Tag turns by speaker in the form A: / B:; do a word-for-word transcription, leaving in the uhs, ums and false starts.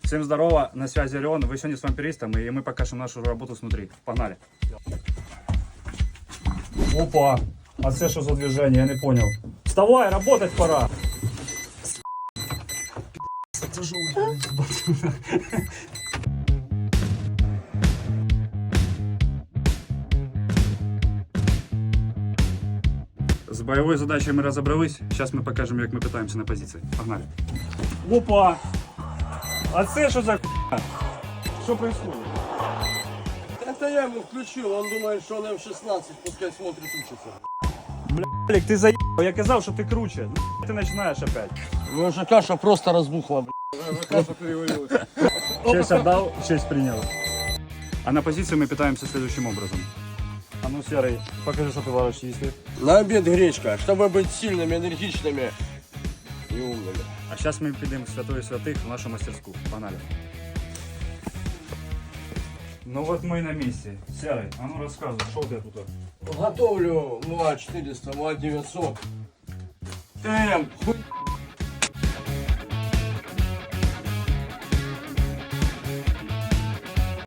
A: Всем здорово, на связи Орион. Вы сегодня с вампиристом, и мы покажем нашу работу снутри. Погнали. Опа, а це что за движение, я не понял. Вставай, работать пора. С боевой задачей мы разобрались. Сейчас мы покажем, как мы пытаемся на позиции. Погнали. Опа! А це що за х**а? Что происходит?
B: Это я ему включил, он думает, что он эм шестнадцать, пускай смотрит, учится.
A: Блядь, ты заебал, я казал, что ты круче. Ты начинаешь опять.
B: Ну уже каша просто разбухла, блядь. Уже каша перевалилась.
A: Честь отдал, честь принял. А на позиции мы питаемся следующим образом. А ну, Серый, покажи, что ты варишь, если.
B: На обед гречка, чтобы быть сильными, энергичными и умными.
A: А сейчас мы підемо в святое святых в нашу мастерскую. Погнали. Ну вот мы и на месте. Серый, а ну рассказывай, что у тебя тут?
B: Готовлю МУА четыреста, МУА девятьсот. М, хуй